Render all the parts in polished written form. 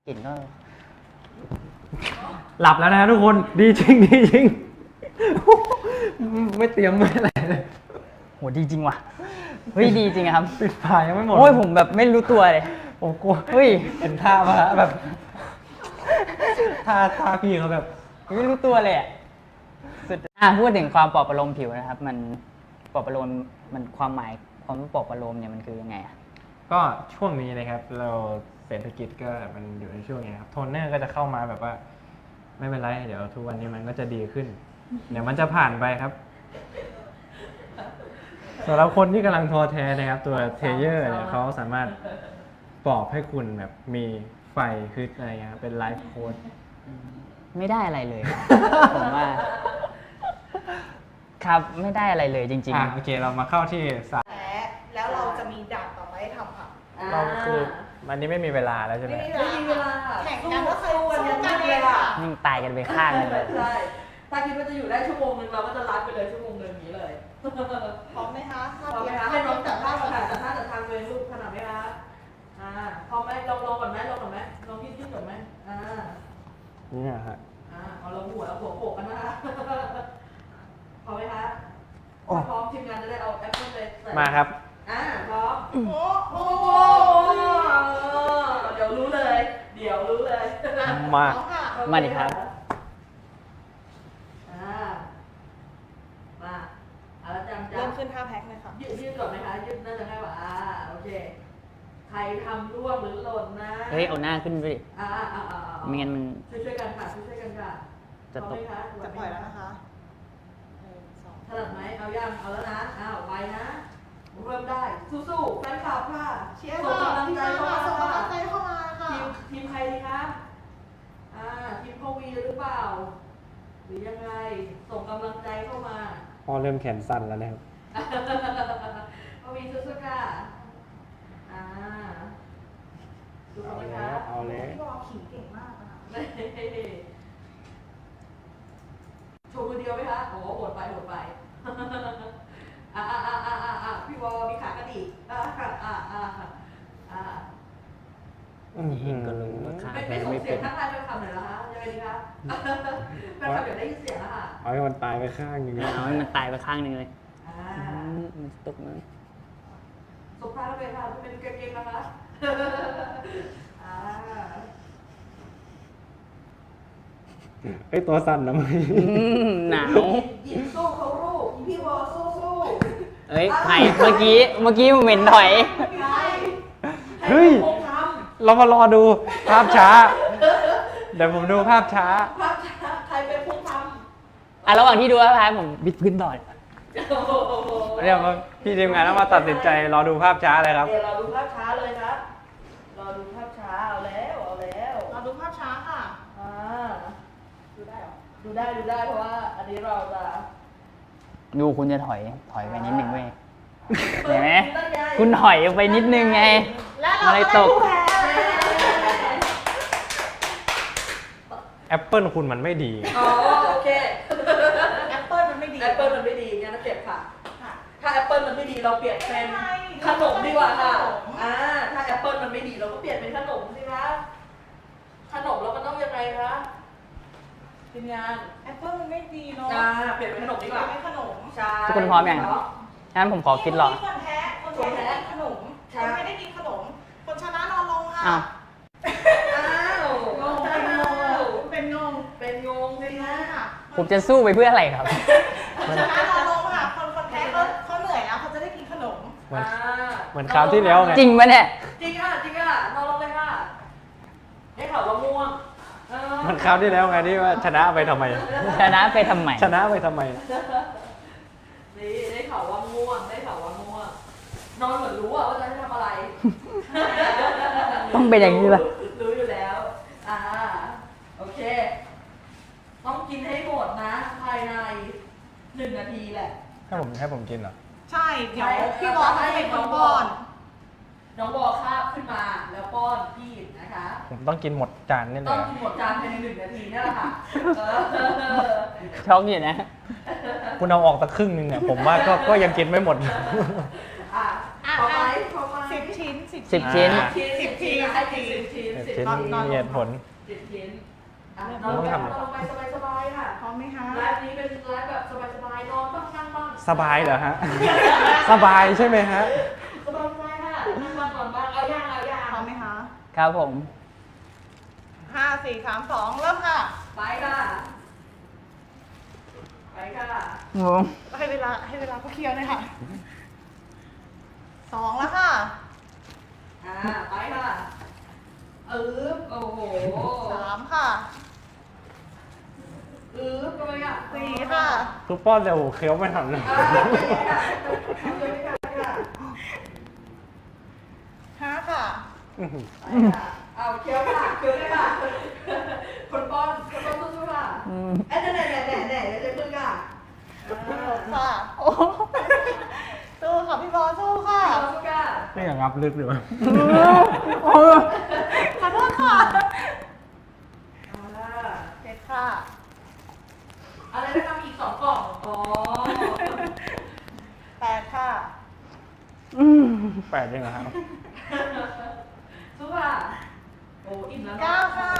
กลิ่นก็หลับแล้วนะทุกคนดีจริงดีจริงไม่เตรียมไม่อะไรเลยโหดีจริงว่ะเฮ้ยดีจริงครับปิดฝายังไม่หมดโอ้ยผมแบบไม่รู้ตัวเลยผมกลัวเฮ้ยเห็นท่ามาแบบท่าพี่เขาแบบไม่รู้ตัวเลยสุดพูดถึงความปลอบประโลมผิวนะครับมันปลอบประโลมมันความหมายความปลอบประโลมเนี่ยมันคือยังไงอ่ะก็ช่วงนี้นะครับเราเศรษฐกิจก็มันอยู่ในช่วงนี้ครับโทนเนอร์ก็จะเข้ามาแบบว่าไม่เป็นไรเดี๋ยวทุกวันนี้มันก็จะดีขึ้นเดี๋ยวมันจะผ่านไปครับสำหรับคนที่กำลังท้อแท้นะครับตัวเทเยอร์เนี่ยเขาสามารถปลอบให้คุณแบบมีไฟฮึดอะไรเงี้ยเป็นไลฟ์โค้ดไม่ได้อะไรเลย ผมว่าครับไม่ได้อะไรเลยจริงๆโอเคเรามาเข้าที่สายแล้วเราจะมีด่านต่อไปให้ทำค่ะเราคือวันนี้ไม่มีเวลาแล้วใช่ไหมไม่มีเวลาแข่งกันก็คือวันนี้กันเลยค่ะนิ่งตายกันไปข้างนึงเลยใช่ถ้าคิดว่าจะอยู่ได้ชั่วโมงนึงเราก็จะรัดไปเลยชั่วโมงนึงนี้เลยพร้อมไหมคะพร้อมไหมคะให้น้องจับท่าค่ะจับท่าจับทางเลยลูกขนาดไหมคะพร้อมไหมลองก่อนไหมลองยืดก่อนไหมนี่ฮะเอาเราหัวโขกกันนะคะพร้อมไหมคะพร้อมทีมงานจะได้เอาแอปเปิ้ลเลยมาครับพร้อมโอ้โหเดี๋ยวรู้เลยมาดิครับมาแล้วจำเริ่มขึ้นท่าแพ็คเลยค่ะยืดก่อนไหมคะยืดน่าจะง่ายกว่าโอเคใครทำร่วงหรือหล่นนะเฮ้ยเอาหน้าขึ้นไปดิไม่งั้นมันช่วยกันค่ะช่วยกันค่ะจะตกจะปล่อยแล้วนะคะถนัดไหมเอาแล้วนะไปนะเริ่มได้สู้ๆแฟนคลับค่ะเชียร์ส่งกำลังใจเข้ามาค่ะทีมใครดีคะทีมพ่อวีหรือเปล่าหรือยังไงส่งกำลังใจเข้ามาพอเริ่มแขนสั่นแล้วนะครับพ่อวีสู้ๆค่ะเอาแล้วพี่วอขิงเก่งมากนะคะโชว์มือเดียวไหมคะโอ้โหดไปพี่วอมีขากระดิกก็รู้ว่าขาไม่ส่งเสียงทักทายเป็นคำหน่อยเหรอคะยังไงดีคะเป็นคำเดี๋ยวได้ยินเสียงแล้วค่ะเอาให้มันตายไปข้างนึงเอาให้มันตายไปข้างนึงเลยมันตกมั้ยสบตาแล้วเป็นค่ะเป็นเก่งๆนะคะไอตัวสั่นนะมึงหนาวหยิบสู้เขาลูกพี่วอสู้เอ้ยใครเมื่อกี้ผมเห็นถอยเฮ้ยเรามารอดูภาพช้าเดี๋ยวผมดูภาพช้าใครเป็นผู้ทำระหว่างที่ดูภาพช้าผมบิดพื้นต่อเดี๋ยวพี่ทีมงานต้องมาตัดสินใจรอดูภาพช้าเลยครับเดี๋ยวเราดูภาพช้าเลยครับรอดูภาพช้าเอาแล้วเราดูภาพช้าค่ะดูได้หรอดูได้เพราะว่าอันนี้เราจะดูคุณจะถอยไปนิดนึงเว้ยเห็นไหมคุณถอยไปนิดนึงไงอะไรตกแอปเปิลคุณมันไม่ดีโอเคแอปเปิลมันไม่ดีงั้นเก็บค่ะถ้าแอปเปิลมันไม่ดีเราเปลี่ยนเป็นขนมดีกว่าค่ะถ้าแอปเปิลมันไม่ดีเราก็เปลี่ยนเป็นขนมสิคะขนมเราก็ต้องยังไงคะทีมงานแอปเปิลมันไม่ดีเนาะเปลี่ยนเป็นขนมดีกว่าเป็นขนมใช่ทุกคนพร้อมยังงั้นผมขอคิดหรอคนแพ้ขนมคนไม่ได้กินขนมคนชนะนอนลงค่ะเป็นงงสินะผมจะสู้ไปเพื่ออะไรครับคนชนะนอนลงค่ะคนแพ้เขาเหนื่อยแล้วเขาจะได้กินขนมเหมือนคราวที่แล้วไงจริงปะเนี่ยจริงค่ะนอนลงเลยค่ะได้ข่าวว่าง่วงมันคราวที่แล้วไงที่ว่าชนะไปทำไมชนะไปทำไมนี่ได้ข่าวว่าง่วงนอนเหมือนรู้ว่าจะให้ทำอะไรต้องเป็นอย่างนี้ป่ะรู้อยู่แล้วโอเคต้องกินให้หมดนะภายใน1 นาทีแหละให้ผมกินเหรอใช่เดี๋ยวพี่บอลให้เป็นคนป้อนน้องบอคาบขึ้นมาแล้วป้อนพี่นะคะผมต้องกินหมดจานนี่เลยต้องกินหมดจานภายใน1 นาทีนี่แหละค่ะช็อกอยู่นะคุณเอาออกสักครึ่งนึงเนี่ยผมว่าก็ยังกินไม่หมดพอไหม 10 ชิ้น 10 ชิ้น 10 ชิ้นให้10 ชิ้นชิ้นนอนมีเหตุผล 7 ชิ้นอ่ะเริ่มนอนต้องแบบทำนอนไปสบายๆค่ะพร้อมไหมคะไลฟ์นี้เป็นไลฟ์แบบสบายๆนอนบ้างนั่งบ้างสบายเหรอฮะ สบายใช่ไหมฮะสบายๆค่ะนั่งบ้างนอนบ้างเอาย่างพร้อมไหมคะครับผม 5 4 3 2 เริ่มค่ะไปค่ะไปค่ะงงให้เวลาเขาเคลียร์เลยค่ะ2แล้วค่ะไปค่ะโอ้โห 3 ค่ะก็ไปค่ะ 4 ค่ะทุกป้อนเดี๋ยวเคี้ยวไม่ทันเลย 5 ค่ะอื้อหือเอาเคี้ยวค่ะเคี้ยวเลยค่ะคนป้อนสู้ๆค่ะอืมแน่จะพึ่งค่ะ 6 ค่ะสู้ค่ะพี่บอลสู้ค่ะสู้ค่ะนี่อย่างงับลึกหรือเปล่าขอโทษค่ะเอาล่ะ 7 ค่ะอะไรนะคะมีอีก2 กล่องอ๋อ 8 ค่ะแปดยังไงครับสู้ค่ะโอ้อิ่มแล้ว 9 ค่ะ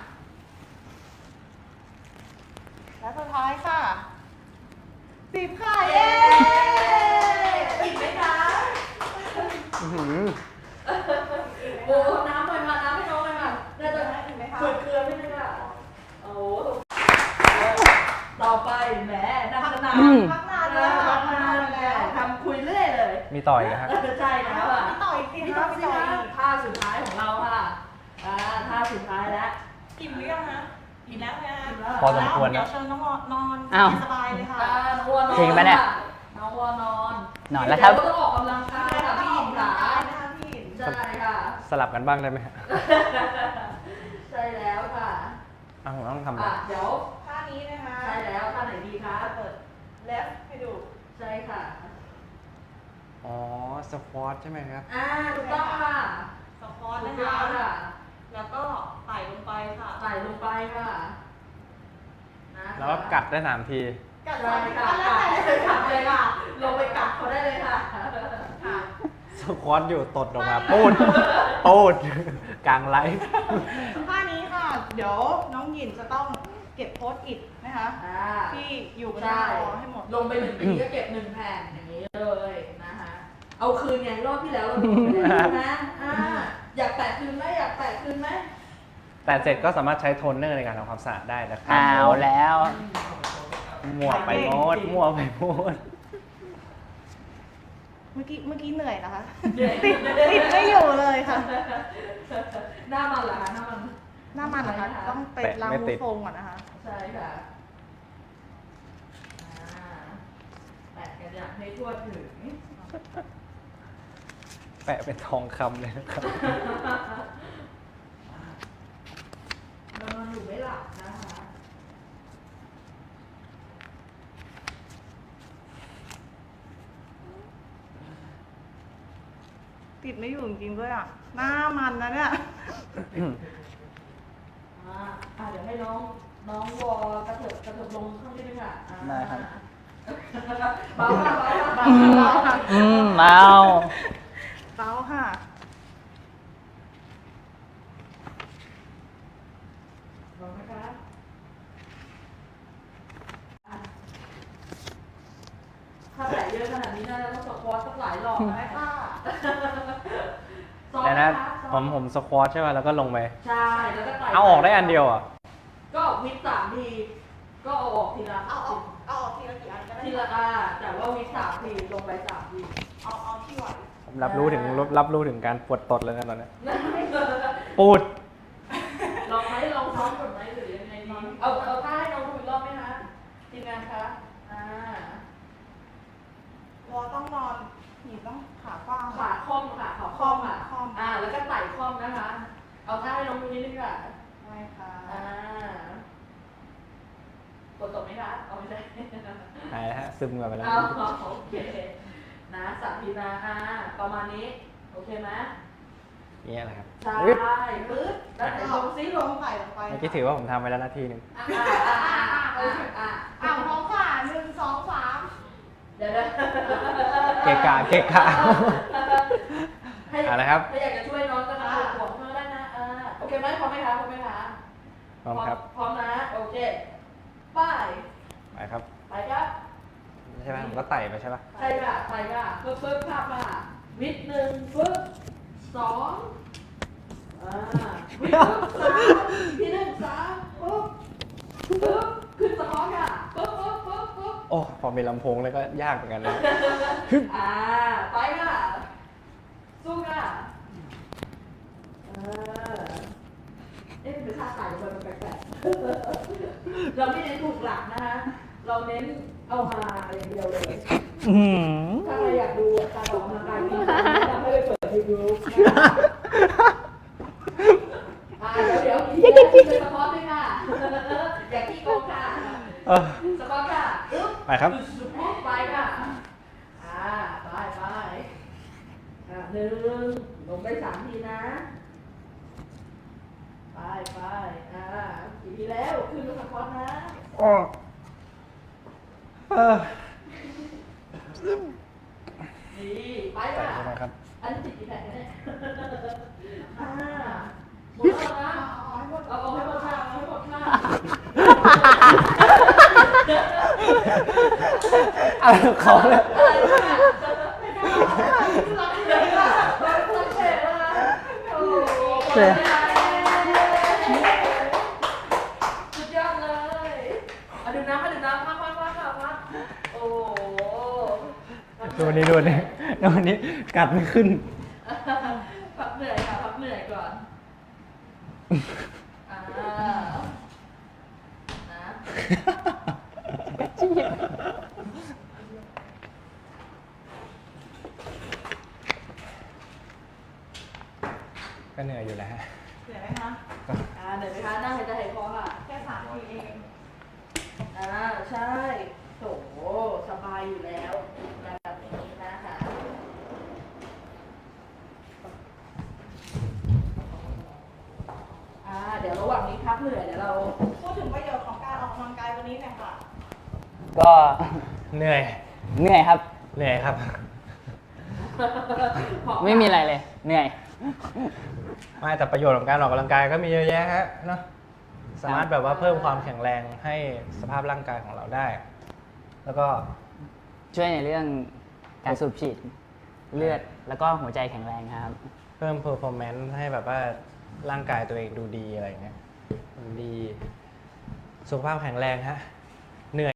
และสุดท้ายค่ะ 10 ค่ะ เย้อิ่มไหมคะอื้อหือโอ้น้ำหน่อยมาน้ำให้น้องหน่อยมาน่าจะอิ่มไหมคะเกลือไม่ได้ค่ะโอ้ต่อไปแหมนั่งนานพักนานเลยค่ะพักนานแล้วทำคุยเรื่อยเลยมีต่อยกันฮะใช่แล้วอ่ะพี่ต่อยสิพี่คะต้องพี่สิต่อยคะท่าสุดท้ายของเราค่ะท่าสุดท้ายแล้วอิ่มหรือยังคะอิ่มแล้วไหมคะพอสมควรนะเดี๋ยวเชิญน้องนอนอ้าวสบายเลยค่ะน้องวัวนอนจริงปะเนี่ยน้องวัวนอนนอนแล้วครับเดี๋ยต้องออกกำลังกายค่ะพี่หญิงขานะคะพี่หญิงใช่ค่ะสลับกันบ้างได้ไหมฮะใช่แล้วค่ะอ้าวผมต้องทำอะไรเดี๋ยวท่านี้นะคะใช่แล้วท่าไหนดีคะเปิดแล้วให้ดูใช่ค่ะอ๋อ สควอตใช่ไหมครับถูกต้องค่ะสควอตถูนะกต้องคะค่ะแล้วก็ไต่ลงไปค่ะใส่ลงไปค่ะนะแล้วก็กัดได้3 ทีกัดใช่ใส่ค่ะค่ะกัดเลยค่ะลงไปกัดเขาได้เลยค่ะค่ะสควอตอยู่ตดออกมาปูดปูดกลางไลฟ์ท่านี้ค่ะ เดี๋ยวน้องหยินจะต้องเก็บโพสต์อิทนะคะที่อยู่บนหน้าใช่จอให้หมดลงไป1 ทีก็เก็บ1 แผ่นอย่างนี้เลยนะคะเอาคืนไงรอบที่แล้วเราโดนไปแล้วนะอยากแปะคืนไหมอยากแปะคืนไหมแต่เสร็จก็สามารถใช้โทนเนอร์ในการทำความสะอาดได้นะครับเอาแล้วมั่วไปโมดมั่วไปโมดเมื่อกี้เหนื่อยนะคะเหนื่อยติดไม่อยู่เลยค่ะหน้ามันเหรอคะหน้ามันหน้ามันนะคะ ต้องไปล้างมือโฟมก่อนนะคะใช่ค่ะแปะกันอย่างให้ทั่วถึงแปะเป็นทองคำเลยนะครับนอนอยู่ไม่หลับนะคะติดไม่อยู่จริงๆด้วยอ่ะ หน้ามันนะเนี่ยเดี๋ยวให้น้องวอกระเถิบลงข้างนี้ด้วยค่ะได้ครับเบาค่ะเบาเบาค่ะเมาเต้าค่ะเบานะคะ ถ้าใส่เยอะขนาดนี้น่าจะต้องสควอตสักหลายรอบนะได้คะค่ะแต่นะผมสควอตใช่ไหมแล้วก็ลงไปใช่แล้วก็ไต่เอาออกได้อันเดียวอ่ะก็วิด3 ที ก็เอาออกทีละเอาออกทีละกี่อันก็ได้ทีละแต่ว่าวิด3 ทีลงไป3 ทีเอาที่ไหวผมรับรู้ถึงการปวดตดเลยนะตอนนี้ปูดลองซ้อมก่อนไหมหรือยังไงดีเอาท่าให้น้องดูอีกรอบไหมคะทีมงานคะวอต้องนอนหยิบต้องขากว้างขาค่อมค่ะขาค่อมค่ะค่อมแล้วก็ไต่ค่อมนะคะ เอาท่าให้น้องดูนิดนึงค่ะได้ค่ะกดตกไหมคะเอาไม่ใช่หายแล้วฮะซึมกันไปแล้วโอเคนะสาธิตนะประมาณนี้โอเคไหมนี่แหละครับใช่อึ๊บปึ๊บแล้วไหนลงซิลงใส่ลงไปเมื่อกี้ถือว่าผมทำไปแล้วนาทีหนึ่งพร้อมค่ะ1 2 3 เดี๋ยวเกะกะเกะกะ อะไรครับถ้าอยากจะช่วยน้องก็ทำหัวเธอได้นะโอเคไหมพร้อมไหมคะพร้อมไหมคะพร้อมครับพร้อมนะโอเคไปไปครับไปครับใช่ไหมผมก็ไต่ไปใช่ปะใช่ค่ะไปค่ะปึ๊บภาพมาวิด1ปึ๊บ2วิดปึ๊บ3ที1 3ปึ๊บขึ้นสะท้อนค่ะปึ๊บโอ้พอมีลำโพงเลยก็ยากเหมือนกันเลยไปค่ะสู้ค่ะเป็นท่าไต่มันแปลกๆเราไม่เน้นถูกหลักนะคะเราเน้นเอามาอย่างเดียวเลย ถ้าใครอยากดูการออกกำลังกายที่ทำให้ไปเปิดยูทูบเดี๋ยวอีกทีนะสปอร์ตด้วยค่ะอย่าขี้โกงค่ะสปอร์ตค่ะปึ๊บไปครับไปค่ะไป1ลงได้3ทีนะไปกี่ทีแล้วขึ้นมาสปอร์ตนะดีไปค่ะใช่ไหมครับอันนี้ติดกี่แผ่นเนี่ยหมดแล้วนะเอาให้หมดค่ะเอาให้หมดค่ะเอาเขาเลยอะไรเนี่ยรักเลยค่ะรักเฉยแล้วนะโอ้โหสุดยอดเลยดื่มน้ำพักโอ้โหดูนี่กัดไม่ขึ้นพักเหนื่อยค่ะพักเหนื่อยก่อนนะก็เหนื่อยอยู่แล้วฮะเหนื่อยไหมคะเหนื่อยไหมคะนั่งหายใจหายคอค่ะแค่3 ทีเองใช่โถสบายอยู่แล้วแบบนี้นะคะเดี๋ยวระหว่างนี้พักเหนื่อยเดี๋ยวเราพูดถึงประโยชน์ของการออกกำลังกายวันนี้หน่อยค่ะก็เหนื่อยเหนื่อยครับเหนื่อยครับไม่มีอะไรเลย เหนื่อยไม่แต่ประโยชน์ของการออกกำลังกายก็มีเยอะแยะฮะเนาะสามารถแบบว่าเพิ่มความแข็งแรงให้สภาพร่างกายของเราได้ แล้วก็ช่วยในเรื่องการสูบฉีดเลือดแล้วก็หัวใจแข็งแรงครับเพิ่ม performance ให้แบบว่าร่างกายตัวเองดูดีอะไรเงี้ยมันดีสุขภาพแข็งแรงฮะ